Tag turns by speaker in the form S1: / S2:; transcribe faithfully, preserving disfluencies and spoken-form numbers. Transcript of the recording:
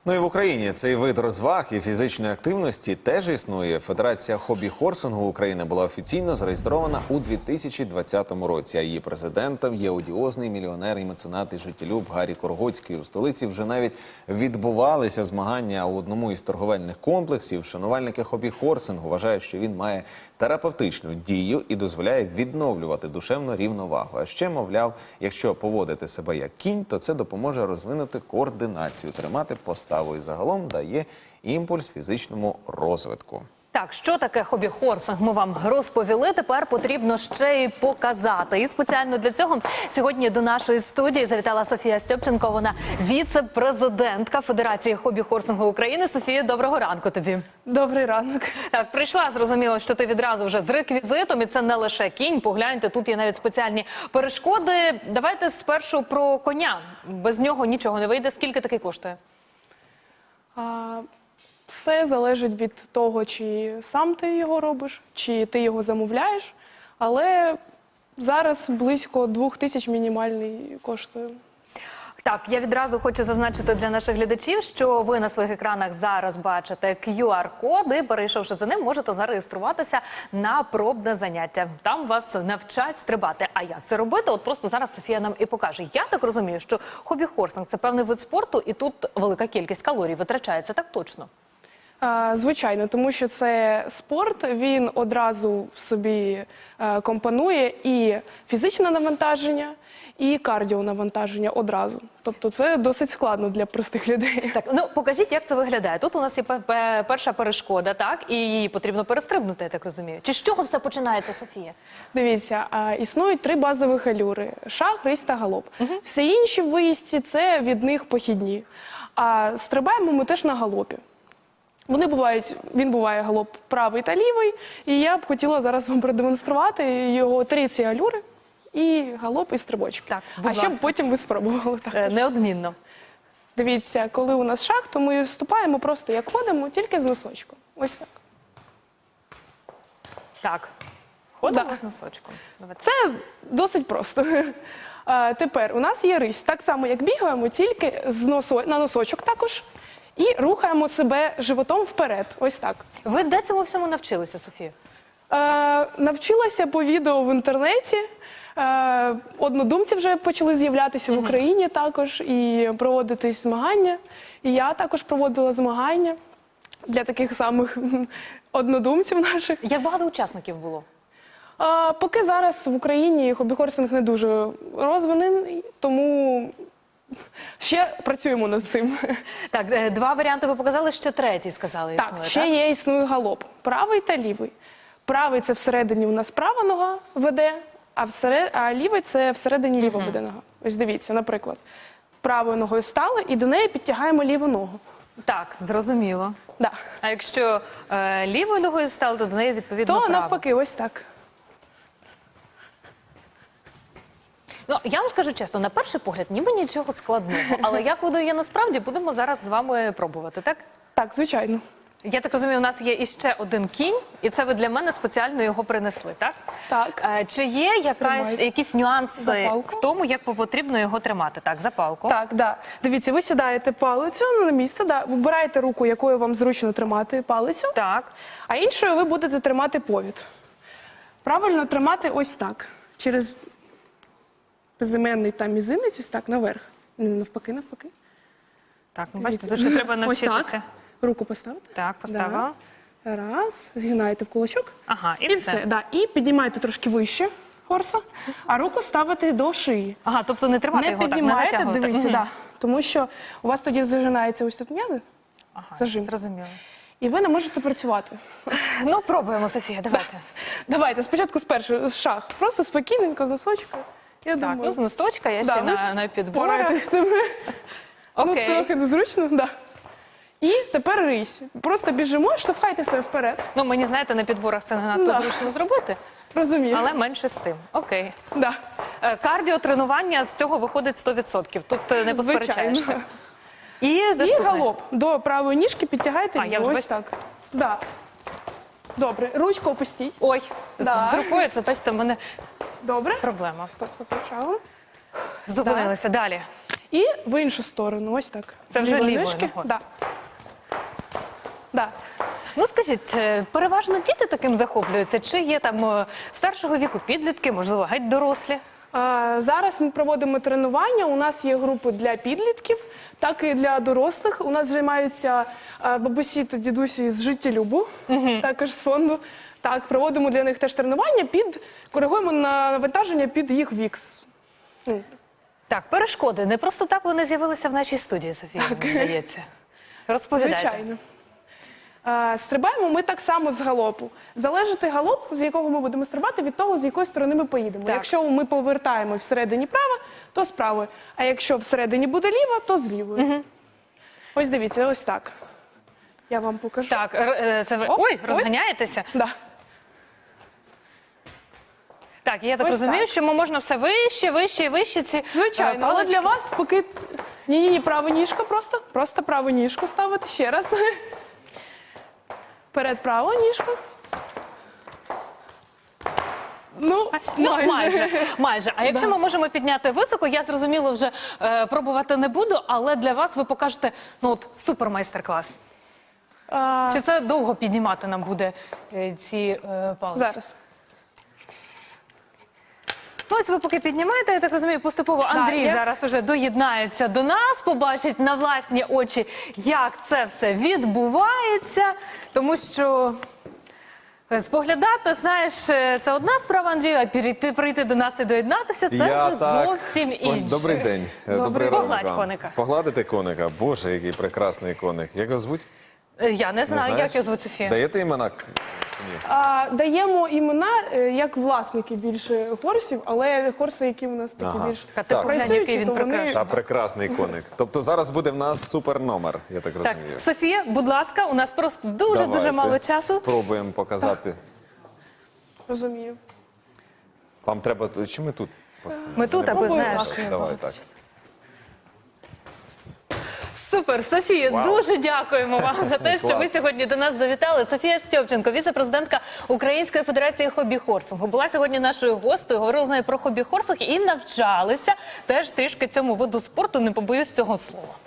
S1: Ну і в Україні цей вид розваг і фізичної активності теж існує. Федерація хобі-хорсингу України була офіційно зареєстрована у дві тисячі двадцятому році, а її президентом є одіозний мільйонер і меценат і життєлюб Гаррій Коргоцький. У столиці вже навіть відбувалися змагання у одному із торговельних комплексів. Шанувальники хобі-хорсингу вважають, що він має терапевтичну дію і дозволяє відновлювати душевну рівновагу. А ще, мовляв, якщо поводити себе як кінь, то це допоможе розвинути координацію, тримати поставу і загалом дає імпульс фізичному розвитку.
S2: Так, що таке хобі-хорсинг, ми вам розповіли, тепер потрібно ще й показати. І спеціально для цього сьогодні до нашої студії завітала Софія Стьопченко, вона віце-президентка Федерації хобі-хорсингу України. Софія, доброго ранку тобі.
S3: Добрий ранок.
S2: Так, прийшла, зрозуміло, що ти відразу вже з реквізитом, і це не лише кінь, погляньте, тут є навіть спеціальні перешкоди. Давайте спершу про коня, без нього нічого не вийде. Скільки такий коштує?
S3: А, все залежить від того, чи сам ти його робиш, чи ти його замовляєш, але зараз близько двох тисяч мінімальний коштує.
S2: Так, я відразу хочу зазначити для наших глядачів, що ви на своїх екранах зараз бачите кью ар-код, і, перейшовши за ним, можете зареєструватися на пробне заняття. Там вас навчать стрибати. А як це робити? От просто зараз Софія нам і покаже. Я так розумію, що хобі-хорсинг – це певний вид спорту, і тут велика кількість калорій витрачається, так точно?
S3: А, звичайно, тому що це спорт, він одразу собі а, компонує і фізичне навантаження, і кардіонавантаження одразу. Тобто це досить складно для простих людей.
S2: Так, ну покажіть, як це виглядає. Тут у нас є перша перешкода, так? І її потрібно перестрибнути, я так розумію. Чи з чого все починається, Софія?
S3: Дивіться, а, існують три базових алюри – шах, рись та галоп. Угу. Всі інші в виїзді – це від них похідні. А стрибаємо ми теж на галопі. Вони бувають, він буває галоп правий та лівий, і я б хотіла зараз вам продемонструвати його три ці алюри. І галоп, і стрибочки.
S2: Так,
S3: а щоб потім ви спробували. Так.
S2: Е, неодмінно.
S3: Дивіться, коли у нас шах, то ми вступаємо просто як ходимо, тільки з носочком. Ось так.
S2: Так. Ходимо
S3: да.
S2: з носочком. Давайте.
S3: Це досить просто. А, тепер у нас є рись. Так само, як бігаємо, тільки з носо... на носочок також. І рухаємо себе животом вперед. Ось так.
S2: Ви де цьому всьому навчилися, Софія?
S3: Е, навчилася по відео в інтернеті. Е, однодумці вже почали з'являтися в Україні також і проводитись змагання. І я також проводила змагання для таких самих однодумців наших.
S2: Як багато учасників було?
S3: Е, поки зараз в Україні хобі-хорсинг не дуже розвинений, тому ще працюємо над цим.
S2: Так, два варіанти ви показали, ще третій сказали
S3: так,
S2: існує,
S3: ще
S2: так?
S3: є існує галоп. Правий та лівий. Правий – це всередині у нас права нога веде, а, всеред... а лівий – це всередині ліва веде нога. Ось дивіться, наприклад, правою ногою стали і до неї підтягаємо ліву ногу.
S2: Так, зрозуміло.
S3: Да.
S2: А якщо е, лівою ногою стали, то до неї відповідно
S3: То
S2: право.
S3: навпаки, ось так.
S2: Ну, я вам скажу чесно, на перший погляд ніби нічого складного, але як воно є насправді, будемо зараз з вами пробувати, так?
S3: Так, звичайно.
S2: Я так розумію, у нас є іще один кінь, і це ви для мене спеціально його принесли, так?
S3: Так.
S2: Е, чи є якась, якісь нюанси в тому, як потрібно його тримати? Так, за палку.
S3: Так, да. Дивіться, ви сідаєте палицю на місце, да, вибираєте руку, якою вам зручно тримати палицю,
S2: Так.
S3: а іншою ви будете тримати повід. Правильно тримати ось так, через безіменний там мізинець, ось так, наверх. Не навпаки, навпаки.
S2: Так, ну бачите, тут ще треба навчитися.
S3: Ось так. Руку поставити.
S2: Так, поставила.
S3: Да. Раз, згинаєте в кулачок.
S2: Ага, і,
S3: І
S2: все.
S3: все. Да. І піднімаєте трошки вище хорса, а руку ставите до шиї.
S2: Ага, тобто не тримати
S3: Не
S2: його так, не
S3: піднімаєте,
S2: натягувати.
S3: дивіться,
S2: Угу.
S3: да. Тому що у вас тоді зажинається ось тут м'язи,
S2: Ага,
S3: зажим.
S2: зрозуміло.
S3: І ви не можете працювати.
S2: Ну, пробуємо, Софія, давайте.
S3: Давайте, спочатку спершу з шах. Просто спокійненько, з носочка. Я
S2: Так,
S3: думаю.
S2: ну з носочка, я
S3: Да,
S2: ще
S3: ви
S2: на, на підборах.
S3: впораєтесь з цим.
S2: Окей.
S3: Ну, трохи незручно, да. І тепер рись. Просто біжимо, штовхайте себе вперед.
S2: Ну, мені, знаєте, на підборах це не надто
S3: Да.
S2: зручно зробити,
S3: Розумію.
S2: але менше з тим. Окей.
S3: Да.
S2: Е, Кардіотренування з цього виходить сто відсотків. Тут е, не посперечаєшся.
S3: Звичайно.
S2: І
S3: І
S2: наступне.
S3: галоп. До правої ніжки підтягайте
S2: А, я
S3: її.
S2: вже
S3: Ось
S2: бачу.
S3: так. Да. Добре. Ручку опустіть.
S2: Ой,
S3: Да.
S2: з рукою це, бачите, в мене
S3: Добре.
S2: проблема.
S3: Стоп, стоп, почали.
S2: Зупинилися. Далі.
S3: І в іншу сторону. Ось так.
S2: Це вже
S3: Лівої
S2: лівою
S3: ніжки.
S2: ногою.
S3: Да. Да.
S2: Ну скажіть, е, переважно діти таким захоплюються? Чи є там е, старшого віку підлітки, можливо, геть дорослі?
S3: Е, Зараз ми проводимо тренування. У нас є групи для підлітків, так і для дорослих. У нас займаються е, бабусі та дідусі з життєлюбу, також з фонду. Так, проводимо для них теж тренування, під коригуємо на навантаження під їх вік. Ну,
S2: Так, перешкоди. Не просто так вони з'явилися в нашій студії, Софія, мені здається. Розповідайте.
S3: Звичайно. Е, Стрибаємо ми так само з галопу. Залежить галоп, з якого ми будемо стрибати, від того, з якої сторони ми поїдемо.
S2: Так.
S3: Якщо ми повертаємо всередині право, то з правої. А якщо всередині буде ліва, то з лівої. Угу. Ось дивіться, ось так. Я вам покажу.
S2: Так, р- е, це ви...
S3: Оп,
S2: Ой,
S3: ой.
S2: розганяєтеся?
S3: Да.
S2: Так, я так
S3: Ось
S2: розумію,
S3: так.
S2: що ми можна все вище, вище і вище ці е,
S3: Звичайно, але
S2: палички.
S3: для вас поки... Ні-ні-ні, праву ніжку просто. Просто праву ніжку ставити ще раз. Перед праву ніжку. Ну,
S2: Ну,
S3: майже.
S2: майже, майже. А якщо ми можемо підняти високо, я зрозуміло вже е, пробувати не буду, але для вас ви покажете, ну от, супер майстер-клас.
S3: А,
S2: Чи це довго піднімати нам буде е, ці е, палички?
S3: зараз.
S2: Ну, ось ви поки піднімаєте, я так розумію, поступово Андрій
S3: я-
S2: зараз уже доєднається до нас, побачить на власні очі, як це все відбувається, тому що е, споглядати, знаєш, е, це одна справа, Андрію, а прийти, прийти до нас і доєднатися, це
S1: Я
S2: вже
S1: так
S2: зовсім
S1: спон-
S2: інше.
S1: Добрий день. Е,
S2: Добрий.
S1: ранок
S2: Погладь
S1: вам.
S2: коника.
S1: Погладити коника. Боже, який прекрасний коник. Як його звуть?
S2: Е, Я не знаю,
S1: знаєш?
S2: як його звуть Софія.
S1: Даєте імена?
S3: А, даємо імена е, як власники більше хорсів, але хорси, які у нас такі
S1: Ага.
S3: більш
S2: Та ти поглянь, який
S3: працюючі,
S2: він
S3: то вони...
S2: прекрасний.
S1: Та прекрасний коник. Тобто зараз буде в нас супер номер, я так
S2: Так,
S1: розумію.
S2: Софія, будь ласка, у нас просто дуже-дуже
S1: Давайте
S2: мало часу.
S1: Спробуємо показати.
S3: Розумію.
S1: Вам треба... Чи ми тут поставимо?
S2: Ми тут, аби,
S3: Спробуємо
S2: знаєш.
S3: так.
S1: Давай так.
S2: Супер, Софія,
S1: Вау.
S2: дуже дякуємо вам за те, що ви
S1: Клас.
S2: сьогодні до нас завітали. Софія Стьопченко, віце-президентка Української федерації хобі-хорсингу, була сьогодні нашою гостею, говорили з нею про хобі-хорсинг і навчалися теж трішки цьому виду спорту, не побоюсь цього слова.